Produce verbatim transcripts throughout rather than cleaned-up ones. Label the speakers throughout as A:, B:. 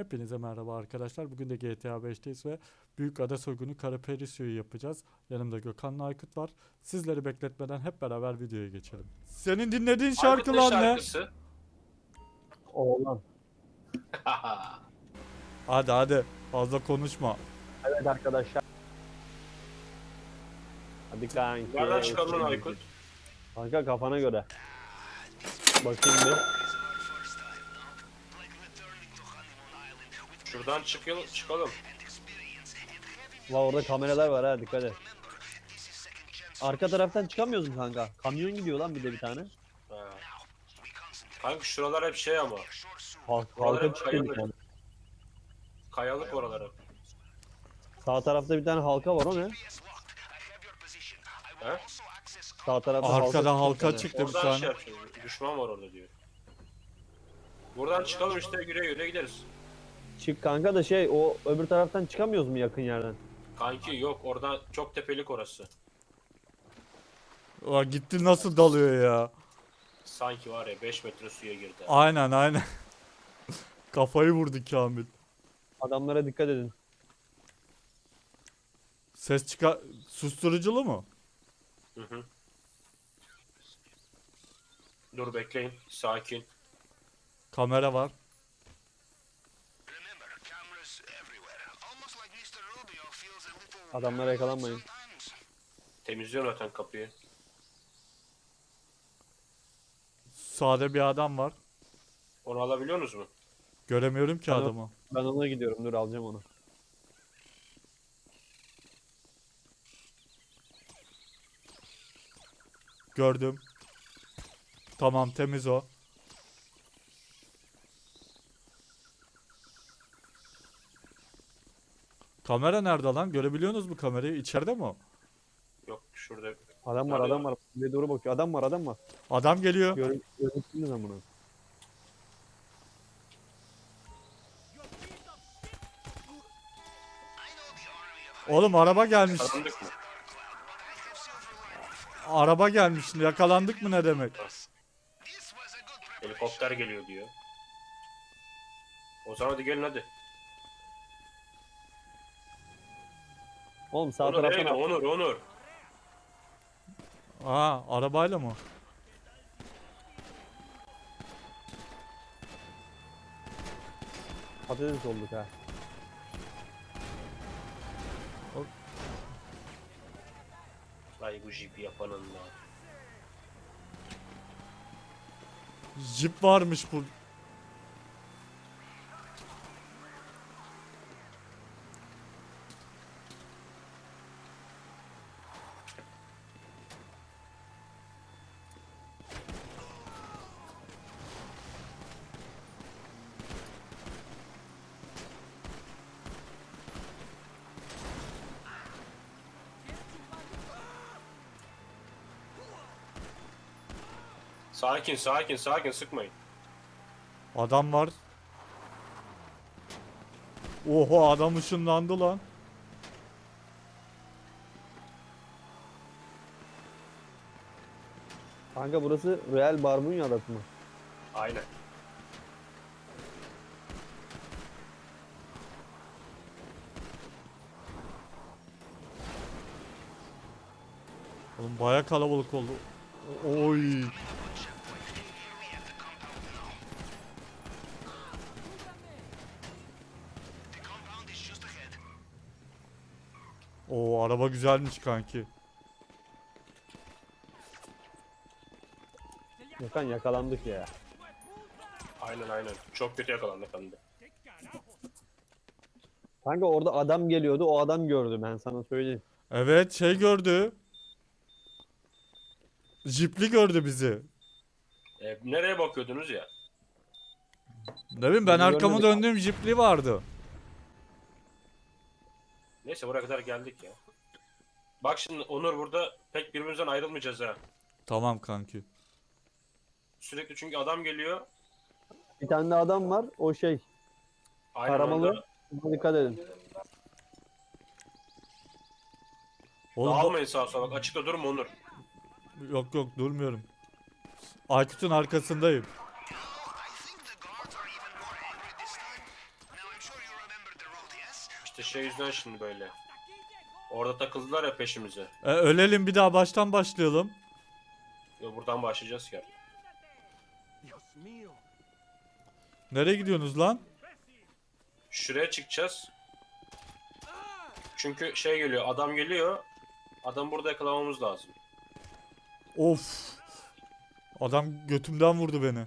A: Hepinize merhaba arkadaşlar. Bugün de G T A beşteyiz ve Büyük Ada Soygunu Karaperisiyo'yu yapacağız. Yanımda Gökhan'la Aykut var. Sizleri bekletmeden hep beraber videoya geçelim. Senin dinlediğin
B: Aykut
A: şarkı
B: ne
A: lan ne?
B: şarkısı?
C: Oğlan.
A: Hadi hadi fazla konuşma.
C: Evet arkadaşlar. Hadi kanki.
B: Nereden çıkardın lan Aykut?
C: Kanka kafana göre. Bakayım bir.
B: Şuradan çıkalım. çıkalım.
C: Va orada kameralar var ha, dikkat et. Arka taraftan çıkamıyoruz mu kanka? Kamyon gidiyor lan bir de bir tane.
B: Ha. Kanka şuralar hep şey ama.
C: Halk,
B: Oralar
C: halka
B: hep
C: çıkıyor bir
B: kayalık.
C: tane.
B: Kayalık oralar hep.
C: Sağ tarafta bir tane halka var, o ne?
B: He?
C: Sağ tarafta
A: Arkada halka
C: çıkıyor bir tane.
A: çıktı bir
B: Oradan
A: tane.
B: şey yapacağız. Düşman var orada diyor. Buradan çıkalım işte, yürüye yürüye gideriz.
C: Çık kanka da şey, o öbür taraftan çıkamıyoruz mu yakın yerden?
B: Kanki yok, oradan çok tepelik orası.
A: Aa, gitti nasıl dalıyor ya.
B: Sanki var ya beş metre suya girdi.
A: Aynen aynen. Kafayı vurdu Kamil.
C: Adamlara dikkat edin.
A: Ses çıkar... Susturuculu mu?
B: Hı hı. Dur bekleyin. Sakin.
A: Kamera var.
C: Adamlara yakalanmayın.
B: Temizliyorum zaten kapıyı.
A: Sağda bir adam var.
B: Onu alabiliyor musunuz mu?
A: Göremiyorum ki
C: Alo.
A: adamı.
C: Ben ona gidiyorum, dur alacağım onu.
A: Gördüm. Tamam temiz o. Kamera nerede lan? Görebiliyorsunuz mu kamerayı? İçeride mi o?
B: Yok şurada.
C: Adam var,
B: Nerede
C: adam var. Bir doğru bakıyor. Adam var, adam var.
A: Adam geliyor.
C: Gör, Gözüktünüz ama bunu.
A: Oğlum araba gelmiş.
B: Kazandık mı?
A: Araba gelmiş. Yakalandık mı ne demek?
B: Helikopter geliyor diyor. O zaman hadi gelin hadi.
C: Oğlum sağ
B: Onur nereye
C: taraftan
B: gidiyor? Onur, Onur.
A: Aa arabayla mı?
C: patates olduk ha.
B: Ay bu jipi yapanın da.
A: Jip varmış bu.
B: Sakin, sakin, sakin, sıkmayın.
A: Adam var. Oho adam ışınlandı lan.
C: Kanka burası Real Barbunya adası mı?
B: Aynen.
A: Oğlum baya kalabalık oldu. Oy. Oo araba güzelmiş kanki.
C: Yakan yakalandık ya.
B: Aynen aynen. Çok kötü yakalandık hem de.
C: Kanka orada adam geliyordu, o adam gördü, ben sana söyleyeyim.
A: Evet şey gördü. Jipli gördü bizi.
B: E, nereye bakıyordunuz ya?
A: Ne bileyim ben
C: Bizi
A: arkamı
C: görmedi.
A: döndüğüm jipli vardı.
B: Neyse buraya kadar geldik ya. Bak şimdi Onur, burada pek birbirimizden ayrılmayacağız ha.
A: Tamam kanki.
B: Sürekli çünkü adam geliyor.
C: Bir tane de adam var, o şey,
B: Aynen
C: Karamalı.
B: onda.
C: Buna dikkat edin.
A: Oğlum bu-
B: Dağılmayın sağa sola, bak açıkta durma Onur.
A: yok yok durmuyorum. Aykut'un arkasındayım.
B: İşte şey yüzden şimdi böyle. Orada takıldılar ya peşimize.
A: E, ölelim bir daha baştan başlayalım.
B: Yo, buradan başlayacağız ki.
A: Nereye gidiyorsunuz lan?
B: Şuraya çıkacağız. Çünkü şey geliyor, adam geliyor. Adam burada yakalamamız lazım.
A: Of. Adam götümden vurdu beni.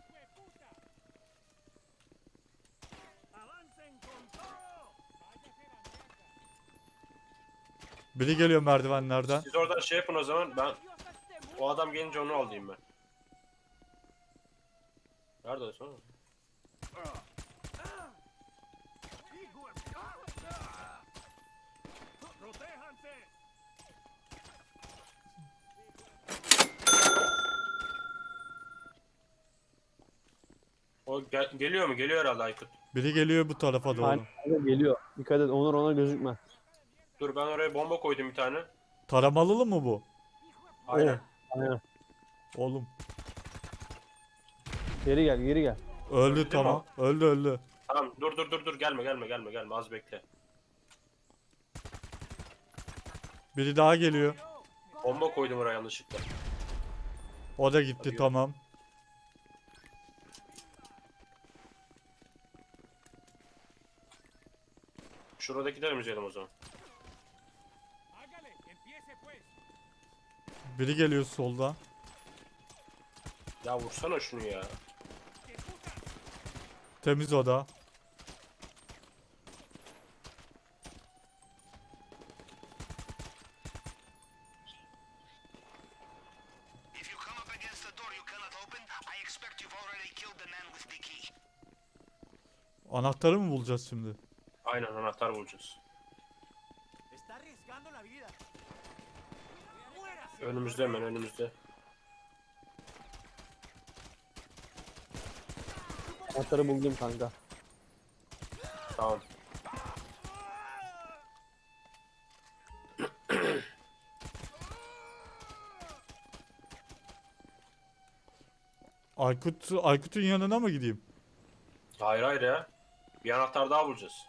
A: Biri geliyor merdivenlerden.
B: Siz oradan şey yapın o zaman, ben o adam gelince onu alayım ben. Nerede o sonra? O gel- geliyor mu? Geliyor herhalde Aykut.
A: Biri geliyor bu tarafa doğru.
C: Aynen geliyor. Dikkat et Onur ona gözükme.
B: Dur ben oraya bomba koydum bir tane.
A: Taramalılı mı bu?
B: Aynen.
C: Aynen.
A: Oğlum.
C: Geri gel geri gel.
A: Öldü
B: Öldü
A: tamam. Öldü öldü.
B: Tamam dur dur dur dur gelme gelme gelme gelme az bekle.
A: Biri daha geliyor.
B: Bomba koydum oraya yanlışlıkla.
A: O da gitti
B: Hadi
A: tamam.
B: Şurada gidelim izleyelim o zaman.
A: Biri geliyor solda.
B: Ya vursana şunu ya.
A: Temiz o da.
D: If you come up against a door you cannot open, I expect you've already killed the man with the key.
A: Anahtarı mı bulacağız şimdi?
B: Aynen anahtar bulacağız.
D: Está arriesgando la vida.
B: Önümüzde hemen önümüzde.
C: Anahtarı buldum kanka.
B: Tamam.
A: Aykut, Aykut'un yanına mı gideyim?
B: Hayır hayır ya. Bir anahtar daha bulacağız.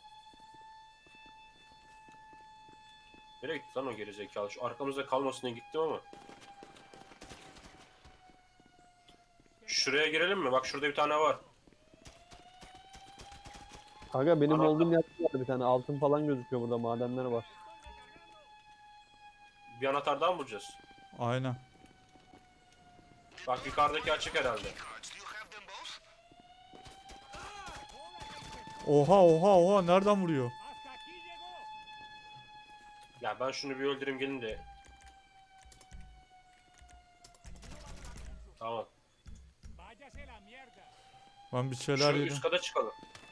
B: Nereye gitti lan o gerizekalı? Şu arkamızda kalmasın diye gittim ama. Şuraya girelim mi? Bak şurada bir tane var.
C: Kanka benim
B: Anahtar-
C: olduğum yerde var bir tane altın falan gözüküyor burada madenler var.
B: Bir anahtar daha mı bulacağız?
A: Aynen.
B: Bak yukarıdaki açık herhalde.
D: Cards, do you have them both?
A: Oha oha oha nereden vuruyor?
B: Ya ben şunu bir öldüreyim gelin de. Tamam.
A: Ben bir şeyler
B: Şu
A: yedim.
B: üst kata çıkalım.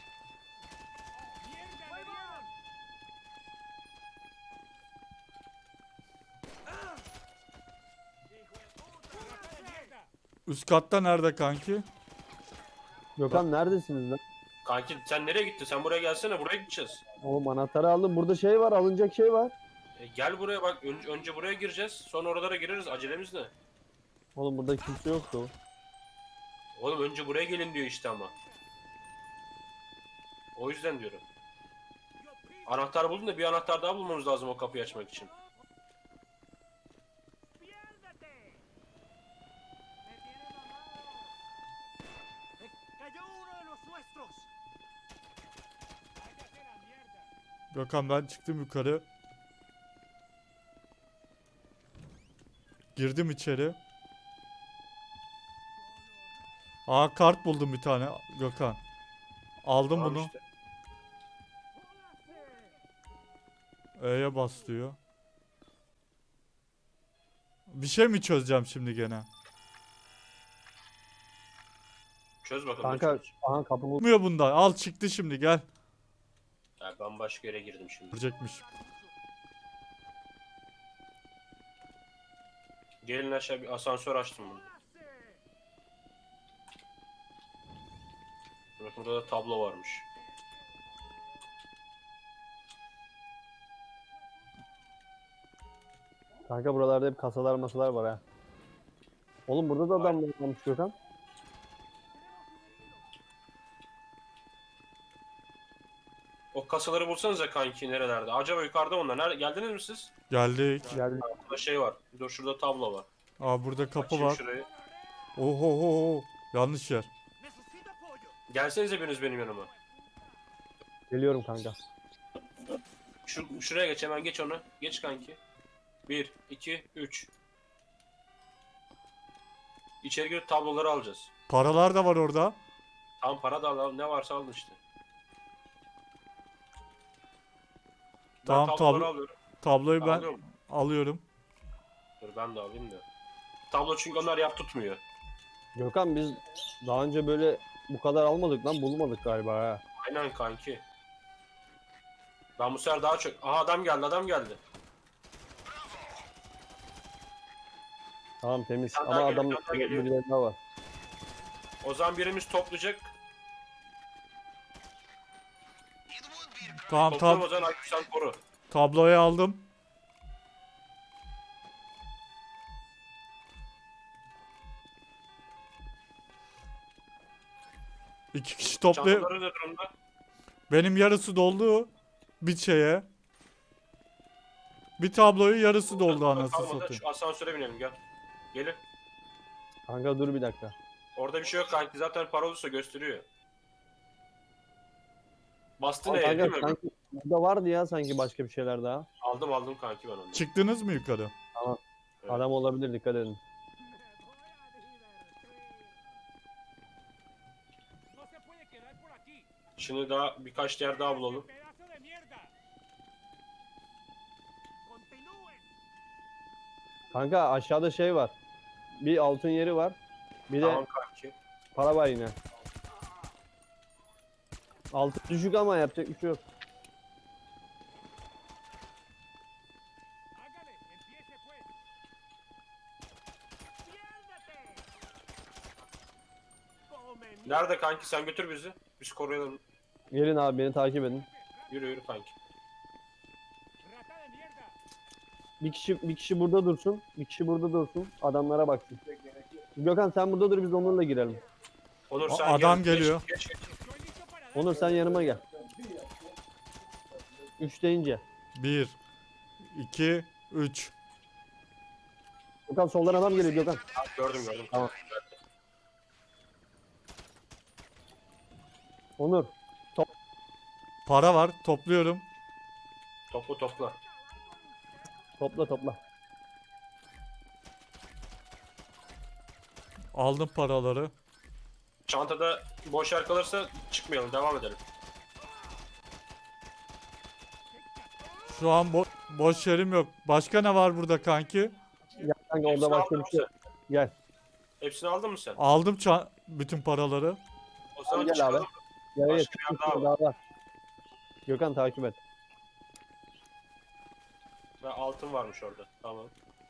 A: Üst katta nerede kanki?
C: Gökhan neredesiniz lan?
B: Kanki sen nereye gittin? Sen buraya gelsene. Buraya gideceğiz.
C: Oğlum anahtarı aldım. Burada şey var alınacak şey var.
B: E, gel buraya bak. Önce, önce buraya gireceğiz. Sonra oralara gireriz. Acelemiz ne?
C: Oğlum burada kimse yoktu.
B: Oğlum önce buraya gelin diyor işte ama. O yüzden diyorum. Anahtar buldun da bir anahtar daha bulmamız lazım o kapıyı açmak için.
D: Cayó uno de los nuestros.
A: Gökhan ben çıktım yukarı. Girdim içeri. Aa kart buldum bir tane Gökhan. Aldım
B: Tamam
A: bunu.
B: işte.
A: E'ye bas diyor. Bir şey mi çözeceğim şimdi gene?
B: Çöz bakalım.
C: Kanka
B: çöz.
C: aha kapı buldum.
A: Olmuyor bunda. Al çıktı şimdi gel.
B: Ya ben başka yere girdim şimdi.
A: Görecekmiş.
B: Gelin aşağı bir asansör açtım bunu. Bakın burada da tablo varmış.
C: Kanka buralarda hep kasalar masalar var ha. Oğlum burada da adamlar varmış Gökhan.
B: O kasaları bulsanıza kanki nerelerde? Acaba yukarıda onlar. Nerede? Geldiniz mi siz?
A: Geldik.
C: Geldi.
B: Burada şey var. Dur şurada tablo var.
A: Aa burada kapı
B: Açayım
A: var.
B: şurayı.
A: Oho oho. Yanlış yer.
B: Gelsenize biriniz benim yanıma.
C: Geliyorum kanka.
B: Şu, şuraya geç hemen geç onu. Geç kanki. bir, iki, üç. İçeri girip tabloları alacağız.
A: Paralar da var orada.
B: Tam para da al, ne varsa alın işte. Ben
A: Tamam,
B: tabloları
A: tablo-
B: alıyorum.
A: Tabloyu ben
B: Alıyorum.
A: alıyorum.
B: Dur ben de alayım da. Tablo çünkü onlar yap tutmuyor.
C: Gökhan biz daha önce böyle bu kadar almadık lan, bulmadık galiba ha.
B: Aynen kanki. Ben bu sefer daha çok... Aha adam geldi adam geldi.
C: Tamam temiz
B: Bir tane
C: ama
B: daha
C: adam
B: geliyor, bir tane daha geliyor.
C: birileri daha var.
B: O zaman birimiz toplayacak.
A: Tamam
B: Toplam
A: tab
B: o zaman Aykut sen koru.
A: tabloyu aldım. İki kişi toplayıp
B: Çantaları da durumda.
A: benim yarısı doldu bir şeye. Bir tabloyu yarısı doldu anasını
B: Kalmadı.
A: satayım.
B: Şu asansöre binelim gel. Gelin.
C: Kanka dur bir dakika.
B: Orada bir şey yok kanki. Zaten para olursa gösteriyor. Bastı
C: Ama
B: ne değil
C: kanka
B: mi?
C: sanki burada vardı ya sanki başka bir şeyler daha.
B: Aldım aldım kanki ben onu.
A: Çıktınız mı yukarı?
B: Evet.
C: Adam olabilir, dikkat edin.
B: Şimdi daha birkaç yer daha bulalım.
C: Kanka aşağıda şey var. Bir altın yeri var. Bir de
B: Tamam kanki.
C: para var yine. Altın düşük ama yapacak bir şey yok.
B: Nerede kanki sen götür bizi. Biz koruyalım.
C: Gelin abi, beni takip edin.
B: Yürü yürü kanki.
C: Bir kişi bir kişi burada dursun. Bir kişi burada dursun. Adamlara baksın. Gökhan sen burada dur, biz onlarla girelim.
B: Onur
A: A-
B: sen
A: adam
B: gel,
A: geliyor.
B: Geç, geç, geç.
C: Onur sen yanıma gel. Üç deyince.
A: Bir, iki, üç.
C: Gökhan soldan adam geliyor Gökhan.
B: Ha, gördüm gördüm.
C: Tamam. Onur.
A: Para var topluyorum.
B: Topla topla.
C: Topla topla.
A: Aldım paraları.
B: Çantada boş yer kalırsa çıkmayalım devam edelim.
A: Şu an bo- boş yerim yok. Başka ne var burada kanki?
C: Gel kanka,
B: Hepsini
C: orada başka
B: aldın
C: bir
B: mı
C: şey yok.
B: sen?
C: Gel.
B: Hepsini aldın mı sen?
A: Aldım ça- bütün paraları.
B: O zaman
C: Gel
B: çıkalım.
C: abi. Gel gel.
B: Başka bir yer daha var.
C: Daha var. Gökhan takip et.
B: Ve altın varmış orada. Tamam.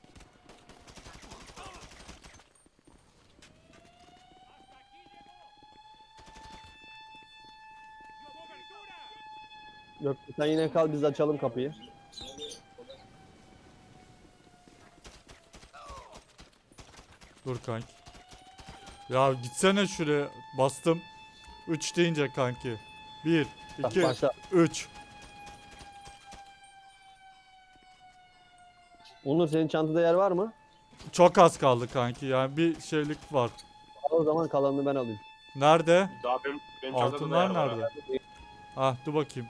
C: Yok sen yine kal, biz açalım kapıyı.
A: Dur kanki. Ya gitsene şuraya. Bastım. üç deyince kanki. bir,
C: Bak,
A: iki,
C: başla.
A: üç.
C: Onur senin çantada yer var mı?
A: Çok az kaldı kanki. Yani bir şeylik var.
C: Al o zaman, kalanını ben alayım.
A: Nerede?
B: Daha benim, benim çantada da
A: Altınlar
B: yer var ha.
A: nerede? Ah dur bakayım.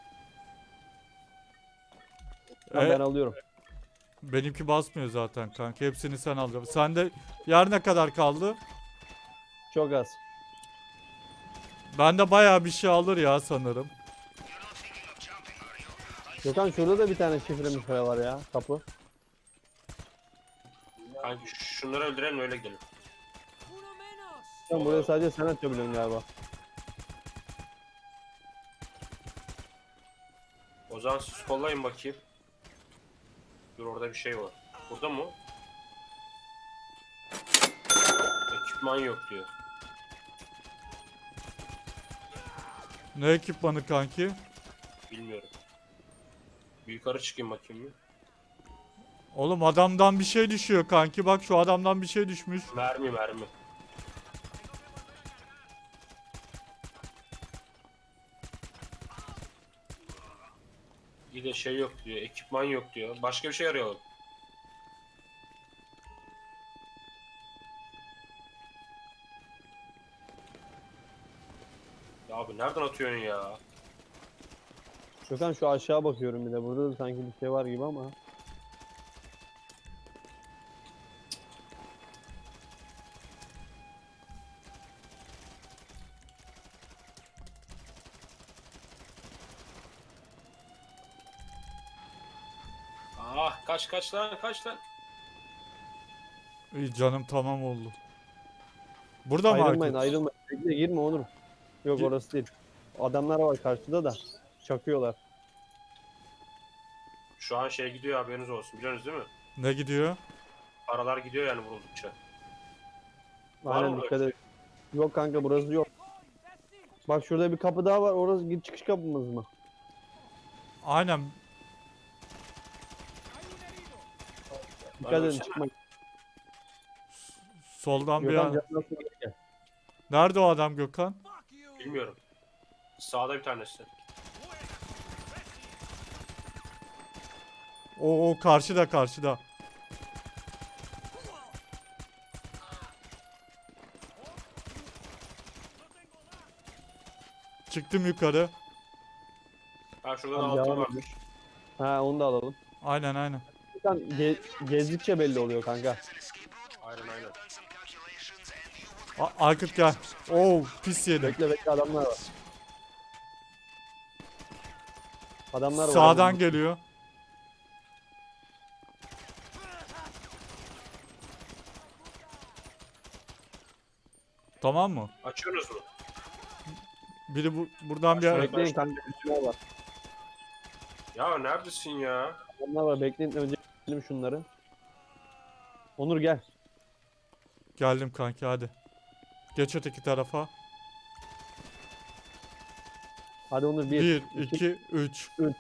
C: Tamam,
A: E,
C: ben alıyorum.
A: benimki basmıyor zaten kanka. Hepsini sen alacaksın. Sende yer ne kadar kaldı?
C: Çok az.
A: Bende bayağı bir şey alır ya sanırım.
C: Gökhan şurada da bir tane şifremiz para var ya, kapı.
B: Kanki şunları öldürelim öyle gidelim.
C: Sen buraya sadece sen açabiliyorsun galiba.
B: O zaman siz kollayın bakayım. Dur orada bir şey var. Burada mı? Ekipman yok diyor.
A: Ne ekipmanı kanki?
B: Bilmiyorum. Bir yukarı çıkayım bakayım bir.
A: Oğlum adamdan bir şey düşüyor kanki. Bak şu adamdan bir şey düşmüş.
B: Mermi mermi. Bir de şey yok diyor, ekipman yok diyor. Başka bir şey arayalım. Ya abi nereden atıyorsun ya?
C: Gökhan şu aşağı bakıyorum bir de. Burada da sanki bir şey var gibi ama.
B: Ah kaç kaç lan kaç lan.
A: İyi canım tamam oldu. Burada mı
C: Ayrılmayın
A: Aykut?
C: ayrılmayın. Bekle girme Onur. Yok
A: Gir-
C: orası değil. Adamlar var karşıda da. Çakıyorlar.
B: Şu an şey gidiyor haberiniz olsun biliyorsunuz değil mi?
A: Ne gidiyor?
B: Paralar gidiyor yani vuruldukça. Var
C: Aynen
B: mı
C: dikkat
B: böyle
C: et. Yok kanka burası yok. Bak şurada bir kapı daha var. Orası gir çıkış kapımız mı?
A: Aynen.
C: Dikkat
B: Ben
C: edin
B: ölsene.
C: çıkmayın.
A: Soldan bir
C: Gökhan
A: an.
C: canına su geri gel.
A: Nerede o adam Gökhan?
B: Bilmiyorum. Sağda bir tanesi.
A: O, o karşıda karşıda. Çıktım yukarı.
B: Ha şurada da
C: Tamam,
B: altın
C: devam
B: varmış.
C: Ha onu da alalım.
A: Aynen aynen.
C: Gökhan ge- gezdikçe belli oluyor kanka.
B: Aynen aynen.
A: A- Aykut gel. Oo pis yedim.
C: Bekle bekle adamlar var. Adamlar var.
A: Sağdan geliyor. Tamam mı?
B: Açıyorsunuz mu?
A: Biri bu buradan bir
B: Aşağıya-
C: Bekleyin kanka. Adamlar var.
B: Ya neredesin ya?
C: Adamlar var. Bekleyin önce gidelim şunları. Onur gel.
A: geldim kanki hadi. Geç öteki tarafa.
C: Hadi Onur bir.
A: bir, iki, üç.
C: üç.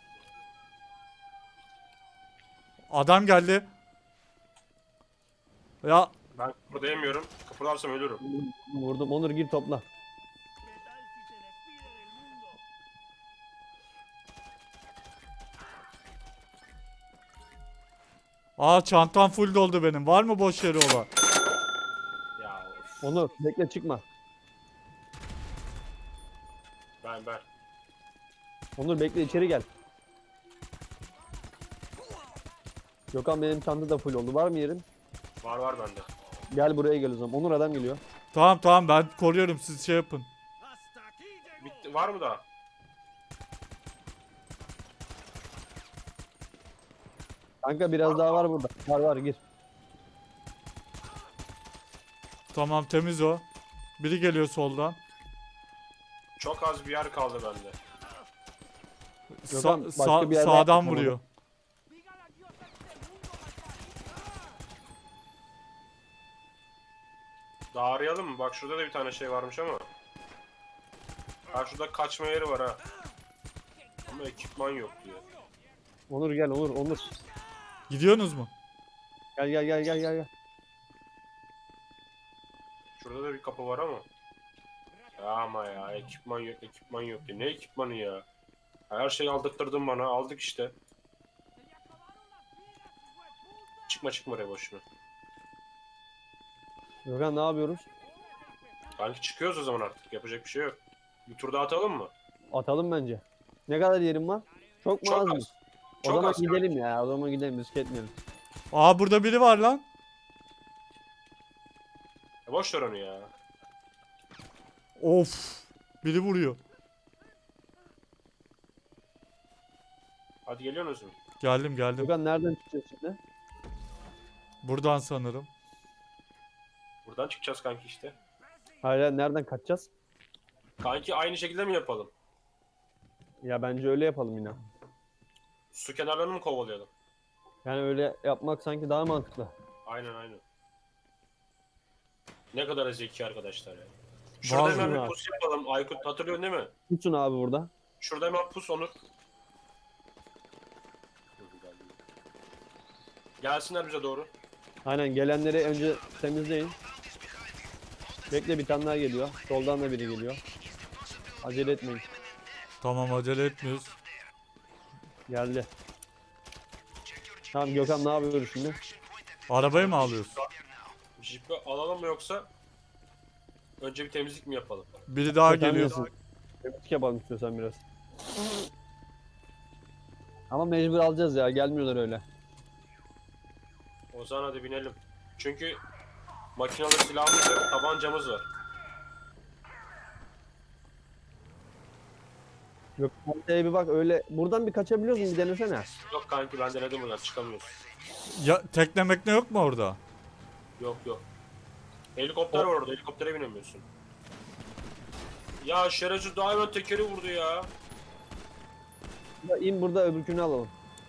A: Adam geldi. Ya
B: Ben kıpırdayamıyorum. Kıpırdarsam ölürüm.
C: Vurdum. Onur gir topla.
A: aa çantam full doldu benim. Var mı boş yeri olan?
B: Ya of.
C: Onur bekle çıkma.
B: Ben ben.
C: Onur bekle içeri gel. Gökhan benim çanta da full oldu. Var mı yerin?
B: Var var bende.
C: Gel buraya gel o zaman. Onur adam geliyor.
A: Tamam tamam ben koruyorum siz şey yapın.
B: Bitti. Var mı daha?
C: Kanka biraz daha var burada. Var var gir.
A: Tamam temiz o. Biri geliyor soldan.
B: Çok az bir yer kaldı bende.
C: Gökhan,
A: Sa-
C: başka
A: sa-
C: bir yerde
A: sağdan
C: yapma
A: vuruyor.
B: Daha arayalım mı? Bak şurada da bir tane şey varmış ama. Ha şurada kaçma yeri var ha. Ama ekipman yok diyor.
C: Onur gel Onur Onur.
A: Gidiyorsunuz mu?
C: Gel gel gel gel gel. gel.
B: Şurada da bir kapı var ama. Ya ama ya ekipman yok ekipman yok diyor. Ne ekipmanı ya? Her şeyi aldırttırdın bana. Aldık işte. Çıkma çıkma oraya boşuna.
C: Gökhan ne yapıyoruz?
B: Kanki çıkıyoruz o zaman artık. Yapacak bir şey yok. Bir tur daha atalım mı?
C: Atalım bence. Ne kadar yerim var? Çok mu az
B: Çok
C: mı?
B: az.
C: O
B: Çok
C: zaman
B: az.
C: gidelim ya. O zaman gidelim risk etmeyelim.
A: Aa burada biri var lan.
B: Ya boş ver onu ya.
A: Of. Biri vuruyor.
B: Hadi geliyorsunuz mu?
A: Geldim geldim.
C: Gökhan nereden çıkacağız şimdi?
A: Buradan sanırım.
B: Buradan çıkacağız kanki işte.
C: Hayır hayır, nereden kaçacağız?
B: Kanki aynı şekilde mi yapalım?
C: Ya bence öyle yapalım yine.
B: Su kenarlarını mı kovalayalım?
C: Yani öyle yapmak sanki daha mantıklı.
B: Aynen aynen. Ne kadar zeki arkadaşlar ya. Şurada
A: Vallahi
B: hemen
C: abi.
B: bir pus yapalım. Aykut hatırlıyorsun değil mi?
C: Tutun abi burada.
B: Şurada hemen pus Onur. Gelsinler bize doğru.
C: Aynen gelenleri önce temizleyin. Bekle bir tane daha geliyor. Soldan da biri geliyor. Acele etmeyin.
A: Tamam acele etmiyoruz.
C: Geldi. Tamam Gökhan ne yapıyoruz şimdi?
A: Arabayı mı alıyorsun?
B: Jeep'i alalım mı yoksa önce bir temizlik mi yapalım?
A: Biri daha
C: Gökhan
A: geliyor.
C: diyorsun. Temizlik yapalım istiyorsan biraz. Ama mecbur alacağız ya, gelmiyorlar öyle.
B: O zaman hadi binelim. Çünkü makinalı silahımız ve tabancamız var.
C: Gökhan haritaya bir bak, öyle buradan bir kaçabiliyoruz mu, bir denesene.
B: Yok kanki ben denedim buradan çıkamıyoruz.
A: Ya tekne mekne yok mu orada?
B: Yok yok. Helikopter var orada, helikoptere binemiyorsun. Ya şerefsiz daha hemen tekeri vurdu ya.
C: Ya İn burada, öbürkünü alalım.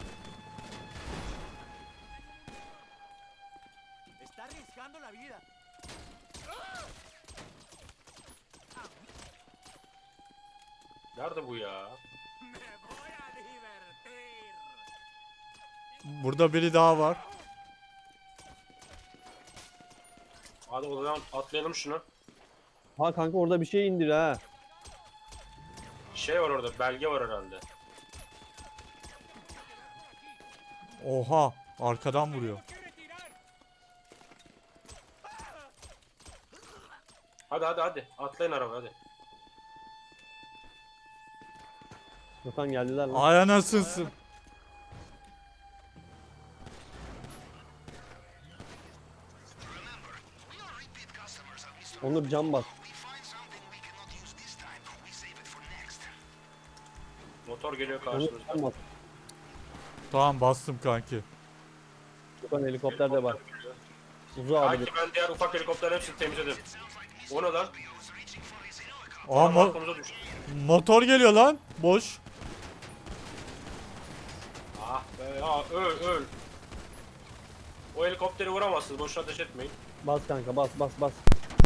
D: Está arriesgando la vida.
B: Nerede bu ya?
D: Me voy a divertir.
A: Burada biri daha var.
B: Hadi o zaman atlayalım şunu.
C: Ha kanka orada bir şey indir ha.
B: Şey var orada, belge var herhalde.
A: Oha, arkadan vuruyor.
B: Hadi hadi hadi. Atlayın araba hadi.
C: Gökhan geldiler lan.
A: Ay anasınsın.
C: Onur cam bas.
B: Motor geliyor
C: Onur
B: karşımızda.
C: cam bas.
A: Tamam bastım kanki.
C: Gökhan helikopter de var. Uzu abi.
B: Kanki ben diğer ufak helikopterlerin hepsini temizledim. O ne lan?
A: Aa mo-
B: Arkamıza düştü.
A: motor geliyor lan. Boş.
B: Ah be ya öl öl. O helikopteri vuramazsınız, boşuna ateş etmeyin.
C: Bas kanka, bas bas bas.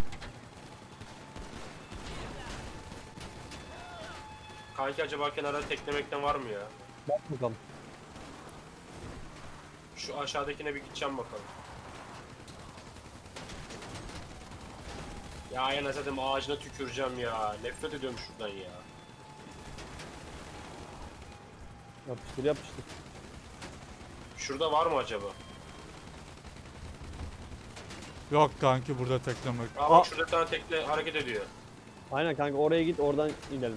B: Kanki acaba kenarda teklemekten var mı ya?
C: Bas bakalım.
B: Şu aşağıdakine bir gideceğim bakalım. Ya yana zaten ağacına tüküreceğim ya. Nefret ediyorum şuradan ya.
C: Yapıştır yapıştır.
B: Şurada var mı acaba?
A: Yok kanki burada tekne mek.
B: Aa
A: Aa,
B: bak şurada bir tane tekne hareket ediyor.
C: Aynen kanka, oraya git, oradan inelim.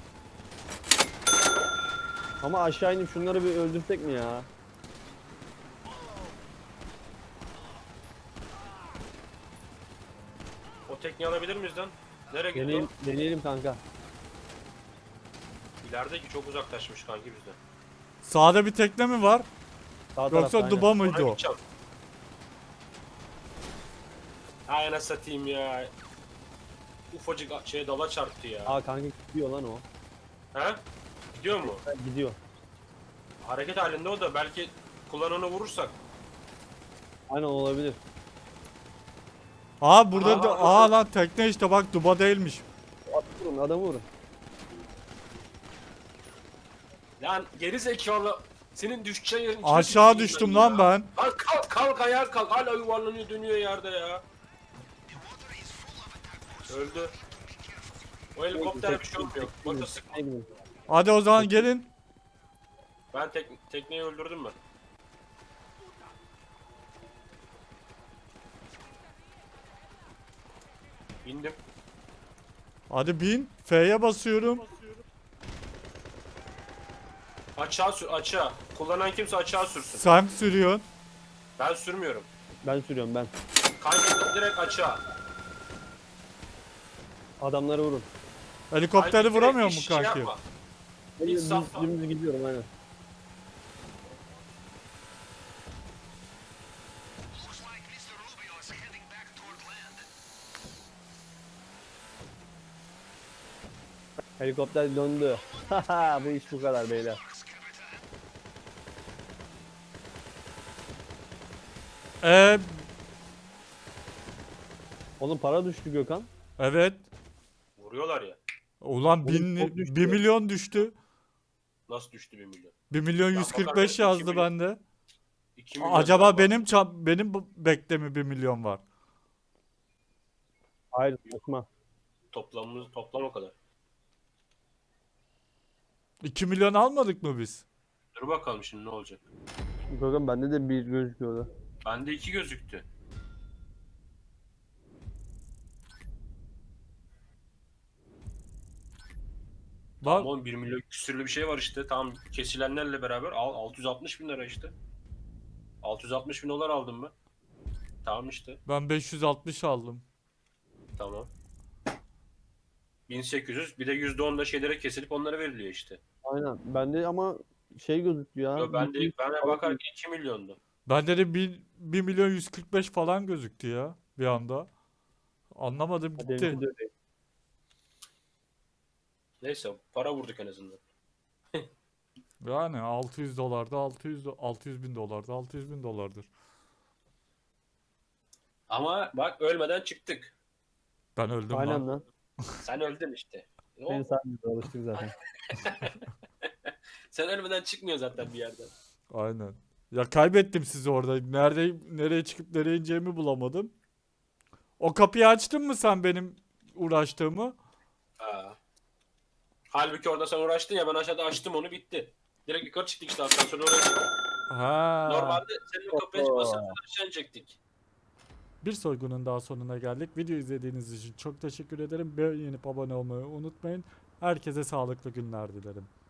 C: Ama aşağı inip şunları bir öldürsek mi ya?
B: O tekneyi alabilir miyiz lan? Nereye gitti
C: Deneyelim,
B: o?
C: deneyelim kanka.
B: İlerideki çok uzaklaşmış kanki bizden.
A: sağda bir tekne mi var?
C: Sağ tarafta
A: Yoksa
C: aynen.
A: duba mıydı
B: Oraya
A: o?
B: gideceğim. Ay ana satayım ya. Ufacık şeye dala çarptı ya.
C: Aa kanka gidiyor lan o.
B: He? Gidiyor mu?
C: Ha, gidiyor.
B: Hareket halinde o da, belki kullananı vurursak.
C: Aynen olabilir.
A: Aa burada
B: Aa,
A: da
B: aa.
A: aa lan tekne işte bak duba değilmiş.
C: At vurun, adamı vurun.
B: Lan geri zekalı. Senin düşeceğin yerin içine
A: Aşağı
B: tüküreyim
A: düştüm
B: ben
A: lan
B: ya.
A: ben.
B: Lan kalk kalk ayağa kalk. Hala yuvarlanıyor dönüyor yerde ya. Öldü. O helikopter bir şey olmuyor. Bakın sıkma.
C: Ne gibi?
A: Hadi o zaman gelin.
B: Ben tek, tekneyi öldürdüm ben. Bindim.
A: Hadi bin. F'ye basıyorum.
B: Açığa sür açığa. Kullanan kimse açığa sürsün.
A: Sen sürüyorsun.
B: Ben sürmüyorum.
C: Ben sürüyorum ben.
B: Kanki direkt açığa.
C: Adamları vurun.
A: Helikopteri
B: Kanki direkt
A: vuramıyor
B: hiç
A: mu
B: şey
A: kanki?
B: yapma.
C: Ben
B: Hiç
C: düz,
B: safla.
C: dümdüz gidiyorum aynen.
D: Looks like mister Rubio is heading back toward land.
C: Helikopter döndü. Haha, bu iş bu kadar beyler.
A: Ee,
C: Oğlum para düştü Gökhan.
A: evet.
B: Vuruyorlar ya.
A: Ulan
C: Oğlum
A: bin,
C: çok düştü.
A: bir milyon düştü.
B: Nasıl düştü bir milyon?
A: bir milyon
B: Ya
A: yüz kırk
B: bakarım,
A: beş
B: iki
A: yazdı
B: milyon.
A: bende.
B: iki milyon
A: Acaba
B: daha var.
A: benim ça- benim bu- bekte mi bir milyon var?
C: Hayır saçma.
B: Toplamımız toplam o kadar.
A: iki milyon almadık mı biz?
B: Dur bakalım şimdi ne olacak.
C: Bakın bende de bir gözüküyordu.
B: Bende iki gözüktü.
A: Bak
B: Tamam bir milyon küsürlü bir şey var işte. Tam kesilenlerle beraber al, altı yüz altmış bin lira işte. altı yüz altmış bin dolar aldım ben. Tamam işte.
A: ben beş yüz altmış aldım.
B: Tamam. bin sekiz yüz bir de yüzde on da şeylere kesilip onlara veriliyor işte.
C: Aynen. Bende ama şey gözüküyor ya.
B: Yo, ben de
C: bir-
B: ben de bakarken iki milyondu.
A: Bende de bir, bir milyon yüz kırk beş falan gözüktü ya bir anda. Anlamadım
C: Ha,
A: gitti.
C: benimki de öyle.
B: Neyse para vurduk en azından.
A: Yani altı yüz dolarda altı yüz do- altı yüz bin dolarda altı yüz bin dolardır.
B: Ama bak ölmeden çıktık.
A: Ben öldüm
C: Aynen
A: lan.
C: lan.
B: Sen öldün işte. O-
C: Beni saymıyoruz, alıştık zaten.
B: Sen ölmeden çıkmıyor zaten bir yerden.
A: Aynen. Ya kaybettim sizi orada. Nerede nereye çıkıp nereye ineceğimi bulamadım. O kapıyı açtın mı sen benim uğraştığımı?
B: Ha. Halbuki orada sen uğraştın ya ben aşağıda açtım onu bitti. Direkt yukarı çıktık işte asansörle oraya çıktık.
A: Ha.
B: Normalde senin o kapıya
C: Oho.
B: asansörden aşağı inecektik.
A: Bir soygunun daha sonuna geldik. Video izlediğiniz için çok teşekkür ederim. Beğenip abone olmayı unutmayın. Herkese sağlıklı günler dilerim.